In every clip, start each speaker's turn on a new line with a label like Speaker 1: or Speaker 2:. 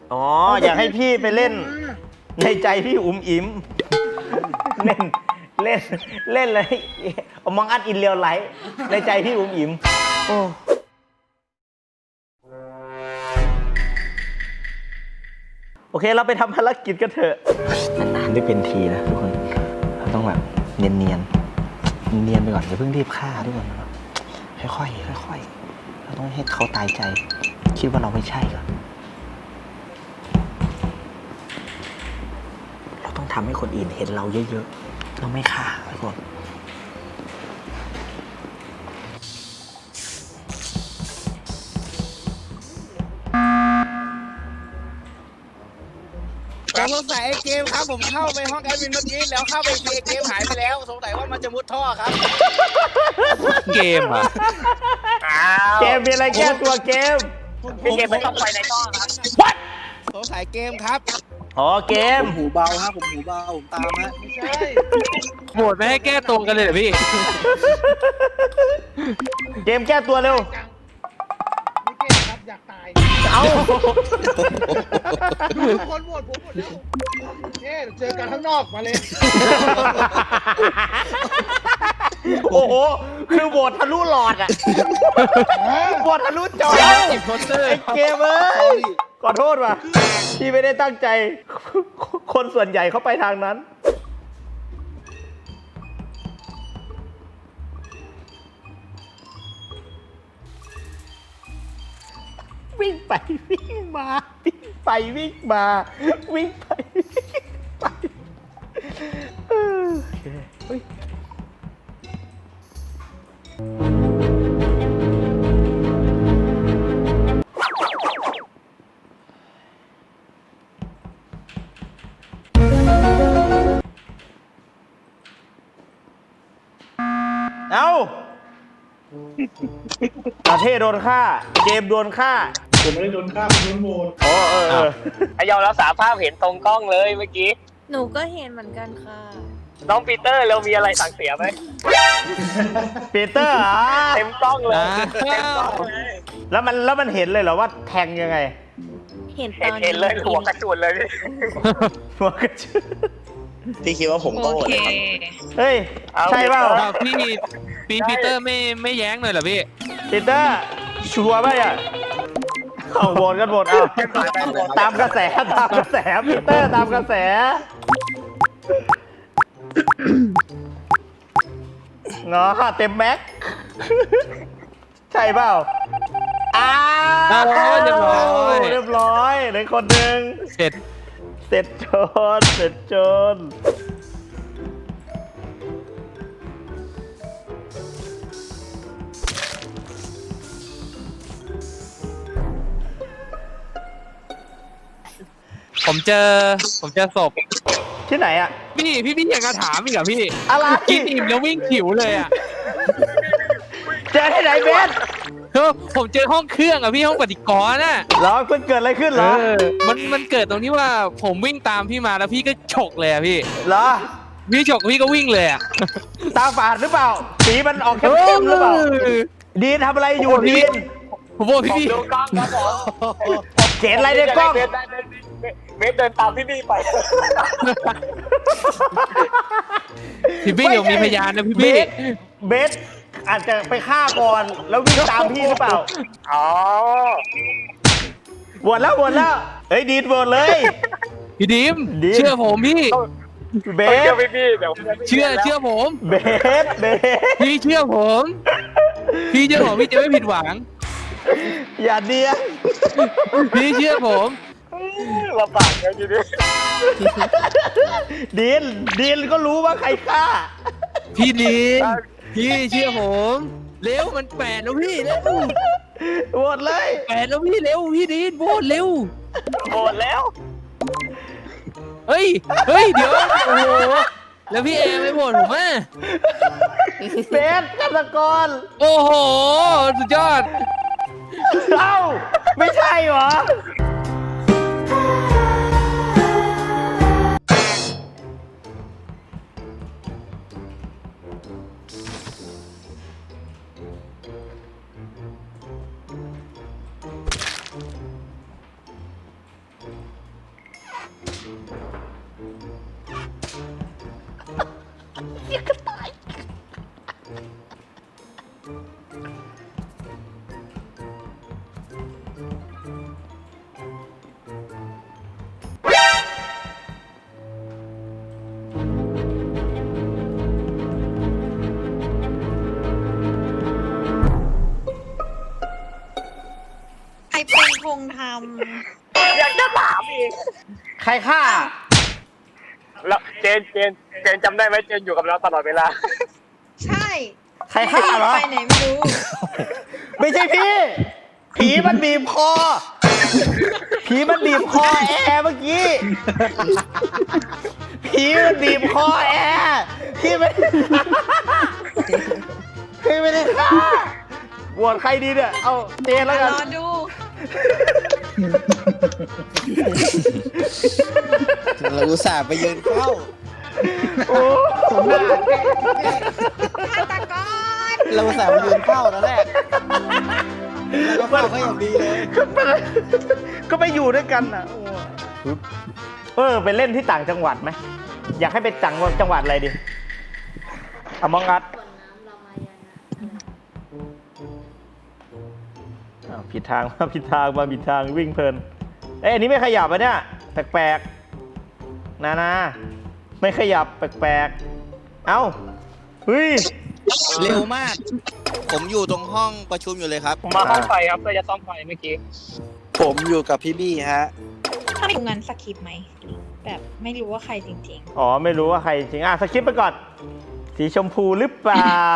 Speaker 1: อ๋ออยากให้พี่ไปเล่นในใจพี่อุ๋มอิ๋มเล่นเล่นเล่นเลยมองอัดอินเรียลไลท์ในใจพี่อุ๋มอิ๋มโอ้โอเคเราไปทำภารกิจกันเถอะนานๆได้เป็นทีนะทุกคนเราต้องแบบเนียนเนียนเนียนไปก่อนอย่าเพิ่งรีบฆ่าทุกคนค่อยๆค่อยๆเราต้องให้เขาตายใจคิดว่าเราไม่ใช่ก่อนเราต้องทำให้คนอื่นเห็นเราเยอะๆเราไม่ฆ่าทุกคน
Speaker 2: ผมสงสัยไอ้เกมครับผมเข้าไปห้องแอดมินเมื่อกี้แล้วเข้าไปทีเกมหายไปแล้วสงสัยว่ามันจะมุดท่อครับ
Speaker 3: เกมอ่ะ
Speaker 1: เกมมีอะไรแก้ตัวเกม
Speaker 4: พี่เกมไม่ต้องไปในท่อครับ
Speaker 1: What
Speaker 2: สงสัยเกมครับ
Speaker 1: อ๋อเกม
Speaker 2: ผมหูเบาฮะผมหูเบาผมตามฮะไม่ใช่
Speaker 3: โหวตไม่ให้แก้ตัวกันเลยเหรอพี่
Speaker 1: เกมแก้ตัวเร็ว
Speaker 5: ไม่เก่งครับอยากตาย
Speaker 1: เอา
Speaker 5: ทุกคนโหวตผมหมดแล้วเอ๊ะเจอกันข้างนอกมาเลย
Speaker 1: โอ้โห คือโหวตทะลุหลอดอ่ะโหวตทะลุจอ
Speaker 3: อินโพสเตอร์
Speaker 1: ไอ้เกมเอ้ยขอโทษว่ะที่ไม่ได้ตั้งใจ คนส่วนใหญ่เขาไปทางนั้น วิ่งไปวิ่งมาวิ่งไปวิ่งมาวิ่งไปวิ่งไปโอเคเฮ้ยเอาประเทศโดนฆ่าเกมโดนฆ่า
Speaker 5: ผมไม่ได้โดนฆ่าผมโดนโหวต
Speaker 1: อ๋อเออ
Speaker 4: ไอยอมรับสารภาพเห็นตรงกล้องเลยเมื่อกี้
Speaker 6: หนูก็เห็นเหมือนกันค่ะ
Speaker 4: น้องปีเตอร์เรามีอะไรสั่งเสียไหม
Speaker 1: ปีเตอร์อ่ะ
Speaker 4: เต็มกล้องเลยเต็มกล้องเลย
Speaker 1: แล้วมันเห็นเลยเหรอว่าแทงยังไง
Speaker 6: เห็นต
Speaker 4: เห็น
Speaker 6: อน
Speaker 4: เห็นเลยหัวกระสุนเลยพี่
Speaker 1: หัวกระชือ
Speaker 7: พี่คิดว่าผมก็โหวตนะครับ
Speaker 1: เฮ้ย ใช่เปล่า
Speaker 3: อ้าวพี่ปีเตอร์ไม่แย้งเลยเหรอพี่
Speaker 1: ปีเตอร์ชัวร์ป่ะอ่ะเอาโหวตกันโหวตเอาตามกระแสตามกระแสปีเตอร์ตามกระแสเนาะเต็มแม็กใช่เปล่าอ้าว
Speaker 3: เรียบร้อย
Speaker 1: เรียบร้อยเหลือคนหนึ่ง
Speaker 3: เสร็จ
Speaker 1: เสร็จโจนเสร็จโจน
Speaker 3: ผมเจอศพ
Speaker 1: ที่ไหนอ่ะ
Speaker 3: พี่ยังกระถามอีกเหรอพี่
Speaker 1: อะไร
Speaker 3: กินอิ่มแล้ววิ่งขิวเลยอ่ะ
Speaker 1: เจอที่ไหนเบส
Speaker 3: ผมเจอห้องเครื่องอ่ะพี่ห้องปฏิกรณ์น่ะ
Speaker 1: เหรอเพิ่งเกิดอะไรขึ้นเหรอ
Speaker 3: มันเกิดตรงที่ว่าผมวิ่งตามพี่มาแล้วพี่ก็ฉกเลยอ่ะพี่
Speaker 1: เหรอ
Speaker 3: พี่ฉกพี่ก็วิ่งเลยอ่ะ
Speaker 1: ตาฝาดหรือเปล่า สีมันออกเข้มๆหรือเปล่า ดีนทำอะไรอยู่ดีน
Speaker 3: ผมบอก
Speaker 4: ผม
Speaker 3: พี่
Speaker 4: ดูกล้องครับผม
Speaker 1: เห็นอะไรในกล้อง
Speaker 4: เบสเดินตามพี่บี้ไป
Speaker 3: พี่บี้เดี๋ยวมีพยานนะพี่
Speaker 1: เบ
Speaker 3: บี้
Speaker 1: สเบสอาจจะไปฆ่าก่อนแล้ววิ่งตามพี่หรือเปล่า
Speaker 4: อ๋อ
Speaker 1: บวชแล้วเฮ้ยดีนบวชเลย
Speaker 3: พี่ดิม
Speaker 1: ดิม
Speaker 3: เชื่อผมพี่
Speaker 1: เบ
Speaker 4: เชื่
Speaker 1: ส
Speaker 4: อพี่บี้เดี๋ยว
Speaker 3: เชื่อผม
Speaker 1: เบส
Speaker 3: พี่เชื่อผม พี่เชื่อผมพี่จะไม่ผิดหวัง
Speaker 1: อย่าเดียน
Speaker 3: พี่เชื่อผม
Speaker 4: ลำบากเลยทีนี้
Speaker 1: ดีนก็รู้ว่าใครฆ่า
Speaker 3: พี่ดิมพี่เชื่อผมเร็วมัน8แล้วพี่เร็ว
Speaker 1: บวชเลย
Speaker 3: 8แล้วพี่เร็วพี่ดิมโบนเร็ว
Speaker 4: โหดแล้ว
Speaker 3: เฮ้ยเดี๋ยวโอ้โหแล้วพี่แอมไม่บ่นผมอ่ะ
Speaker 1: เบสฆาตกร
Speaker 3: โอ้โหสุดยอด
Speaker 1: เอ้าไม่ใช่เหรอ
Speaker 6: ใครเป็นคงท
Speaker 4: อยากจะถามอีก
Speaker 1: ใครฆ่า
Speaker 4: แล้วเจนจำได้ไหมเจนอยู่กับเราตลอดเวลา
Speaker 6: ำใช่
Speaker 1: ใครฆ่าเหรอ
Speaker 6: ไปไหนไม่รู้
Speaker 1: ไม่ใช่พี่ ผีมันบีบคอ ผีมันบีบคอแอร์เมื่อกี้ ผีมันบีบคอแอร์พี่ไม่พี่ไม่ได้ฆ่าบวชใครดีเนี่ย เอาเจนแล้วกัน
Speaker 6: รอดู
Speaker 2: เราอุตส่าห์ไปยืนเฝ้า
Speaker 1: โอ้
Speaker 6: ฆาตกร
Speaker 2: เราอุตส่าห์ไปยืนเฝ้าตอนแรกแล้วก็เฝ้าเขาอย่างดีเลย
Speaker 1: ก็ไปอยู่ด้วยกันน่ะโอ้ไปเล่นที่ต่างจังหวัดไหม อยากให้ไปจังหวัดอะไรดิอมองอัดผิดทางมาผิดทางมาผิดทางวิ่งเพลิน เอ้ยอันนี้ไม่ขยับอ่ะเนี่ยแปลกๆนาไม่ขยับแปลกๆเอ้าเฮ้ย
Speaker 2: เร็วมาก ผมอยู่ตรงห้องประชุมอยู่เลยครับ
Speaker 4: ผมมาห้องไฟครับเพื่อจะซ่อมไฟเมื่อกี้
Speaker 2: ผมอยู่กับพี่บี้ฮะ
Speaker 6: ถ้าเป็นงั้นสคริปต์ไหม แบบไม่รู้ว่าใครจริง
Speaker 1: อ๋อไม่รู้ว่าใครจริงสคิปไปก่อน สีชมพูหรือเปล่า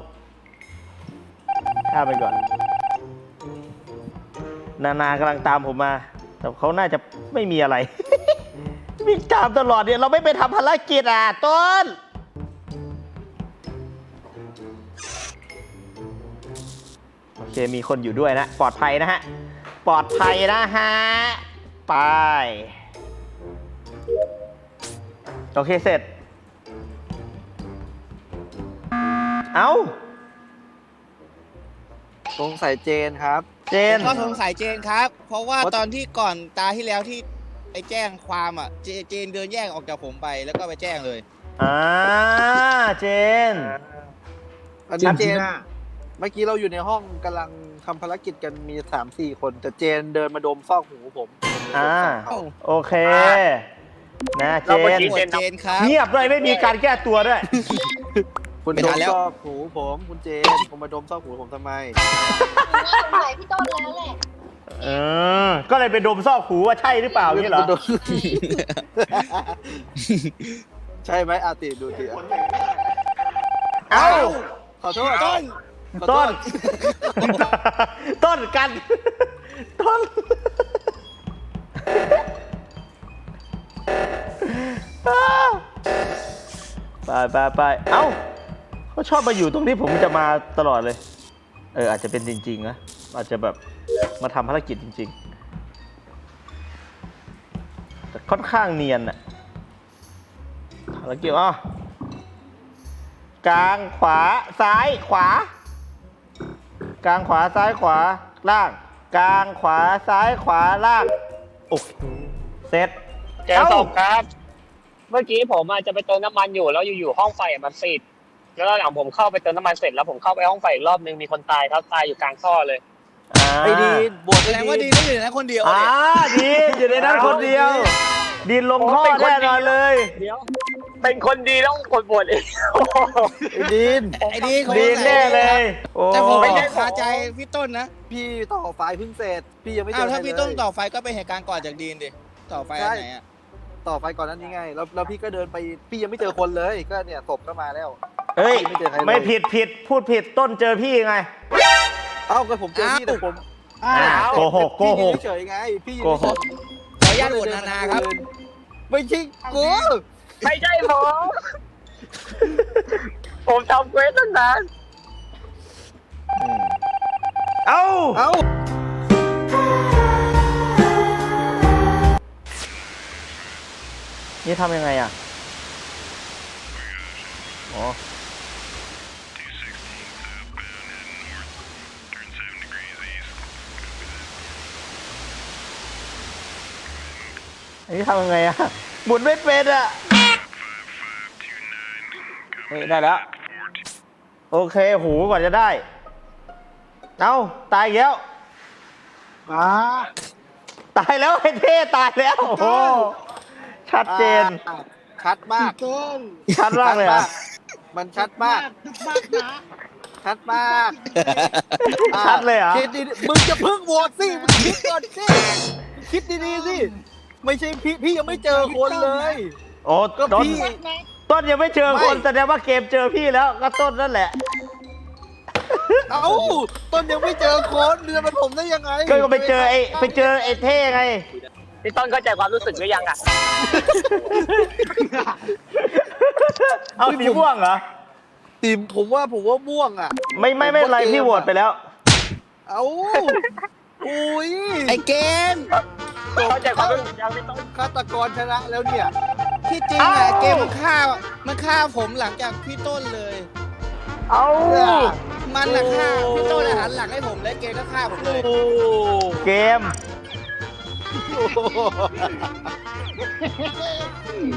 Speaker 1: ข้ามไปก่อน นากำลังตามผมมา แต่เขาน่าจะไม่มีอะไร วิ่งตามตลอดเนี่ยเราไม่ไปทำภารกิจต้น โอเคมีคนอยู่ด้วยนะ ปลอดภัยนะฮะ ปลอดภัยนะฮะ ไป โอเคเสร็จ เอ้า
Speaker 8: สงสัยเจนครับ
Speaker 1: เจน
Speaker 2: ก็สงสัยเจนครับ เพราะว่าตอนที่ก่อนตาที่แล้วที่ไปแจ้งความอ่ะ เจนเดินแยกออกจากผมไปแล้วก็ไปแจ้งเลย
Speaker 1: เจน
Speaker 8: อันนี้เจนเมื่อกี้เราอยู่ในห้องกำลังทำภารกิจกันมี 3-4 คน แต่เจนเดินมาดมซอกหูผม
Speaker 1: โอเค นะเจ
Speaker 4: เราเมื่อน กี้
Speaker 2: เจนครับ
Speaker 1: เงียบด้วยไม่มีการแก้ตัวด้วย
Speaker 8: คุณ
Speaker 2: ไม่
Speaker 8: ด
Speaker 2: ทั
Speaker 8: ม
Speaker 2: นแล้ว
Speaker 8: ซอกหูผมคุณเจนคุณมาดมซอกหูผมทำไม
Speaker 6: ๆสงสัยพี่ต้นแล้วแหละ
Speaker 1: ก็เลยไปดมซอกหูว่าใช่หรือเปล่านี่เหรอ
Speaker 8: ใช่ไหมอาติดูติ
Speaker 1: เอ้า
Speaker 8: ขอโทษ
Speaker 2: ต้น
Speaker 8: ขอโท
Speaker 1: ต้
Speaker 8: ษ
Speaker 1: น ต้นกัน ต้น ไป เอ้าเขาชอบมาอยู่ตรงที่ผมจะมาตลอดเลย อาจจะเป็นจริงๆนะ อาจจะแบบมาทำภารกิจจริงๆ แต่ค่อนข้างเนียนอะภารกิจกลางขวาซ้ายขวา กลางขวาซ้ายขวาล่าง กลางขวาซ้ายขวาล่างโอเคเสร็จ
Speaker 4: เจนส่งครับ เมื่อกี้ผมอาจจะไปเติมน้ำมันอยู่แล้วอยู่ๆห้องไฟมันติดแล้วหลังผมเข้าไปเติมน้ำมันเสร็จแล้วผมเข้าไปห้องไฟอีกรอบนึงมีคนตายครับตายอยู่กลางท่อเลย
Speaker 8: ไอ้ดีนบวช
Speaker 2: แส
Speaker 8: ไอ้
Speaker 2: ดงว่า
Speaker 8: ดี
Speaker 2: ดี
Speaker 8: น
Speaker 2: ก็อยู่ในนั้นคนเดียว
Speaker 1: ดีนอยู่ในนั้นคนเดียว ดินลงท่อแน่นอนเลย
Speaker 4: เดี๋ยว เป็นคนดีต้องกดบวชเอง
Speaker 8: ไอ้ดีน
Speaker 2: ไอ้ดีเขา
Speaker 1: ดีนแน่เลย โอ้
Speaker 2: แต่ผมไม่ได้คาใจพี่ต้นนะ
Speaker 8: พี่ต่อไฟเพิ่งเสร็จ พี่ยังไม่เจ
Speaker 2: อ้าว
Speaker 8: อ
Speaker 2: ถ้า
Speaker 8: ใคร
Speaker 2: พี่
Speaker 8: เล
Speaker 2: ต้น
Speaker 8: ย
Speaker 2: ต่อไฟก็เป็นเหตุการณ์ก่อนจากดีนดิ ต่อไฟอันไหนอ่ะ
Speaker 8: ต่อไฟก่อนนั้นนี่ไง แล้วพี่ก็เดินไป พี่ยังไม่เจอคนเลย ก็เนี่ยศพก็มาแล้ว
Speaker 1: เฮ้ย
Speaker 8: ไม่เจอใครเลย
Speaker 1: ไม่ผิดพูดผิดต้นเจอพี่ไง
Speaker 8: เอ้าก็ผมเจอพี่แต่ผม
Speaker 1: โกหก
Speaker 8: พี่ยืนเฉยๆไง พี่ยืน
Speaker 1: โกหก
Speaker 2: ขออนุญาตโหวตนาครับ
Speaker 8: ไม่ใช่กู
Speaker 4: ไม่ใช่ผมผมทำเควสตั้งนาน
Speaker 1: เอ้า
Speaker 8: เอ้า
Speaker 1: นี่ทำยังไงอ๋ออันนี้ทำยังไงอะหมุนไม่เป็นอะเฮ้ยได้แล้ว โอเคหูก่อนจะได้ เอ้าตายอีกแล้ว
Speaker 5: มา
Speaker 1: ตายแล้วไอ้เท่ตายแล้ว โอ้โหชัดเจน
Speaker 8: ชัดมาก
Speaker 5: ต้น
Speaker 1: ชัดมากเลยอะ
Speaker 8: มันชัดมาก
Speaker 5: มากนะ
Speaker 8: ชัดมาก
Speaker 1: ชัดเลยเหรอ
Speaker 8: คิดดีๆมึงจะพึ่งโหวตสิ มึงคิดก่อนสิมึงคิดดีๆสิ ไม่ใช่พี่ยังไม่เจอคนเลย
Speaker 1: โอ้
Speaker 8: ก็
Speaker 1: ต้น
Speaker 8: พี่
Speaker 1: ต้นยังไม่เจอคน
Speaker 8: ไม่
Speaker 1: แสดงว่าเกมเจอพี่แล้วก็ต้นนั่นแหละ
Speaker 8: เอ้า ต้นยังไม่เจอคนเดือนมันผมได้ยังไง
Speaker 1: ก็ไปเจอไอ้เท่ไง
Speaker 4: พี่ต้นเข้าใจความรู้สึกหรือยังอ่ะ
Speaker 1: เอาสีม่วงเหรอ
Speaker 8: ทีมผมว่าม่วงอ่ะ
Speaker 1: ไม่เป็นไรพี่โหวตไปแล้ว
Speaker 8: เอ้าอุ้ย
Speaker 2: ไอ้เกม
Speaker 4: เข้าใจความรู้สึกยังพี่ต้น
Speaker 8: ฆาตกรชนะแล้วเนี่ย
Speaker 2: ที่จริงอะ
Speaker 1: เอ้า
Speaker 2: เกมมันฆ่าผมหลังจากพี่ต้นเลย
Speaker 1: เอา
Speaker 2: มันอะฆ่าพี่ต้นอะหันหลังให้ผมแล้วเกมก็ฆ่าผมเลย
Speaker 8: โอ้
Speaker 1: เกม
Speaker 8: โห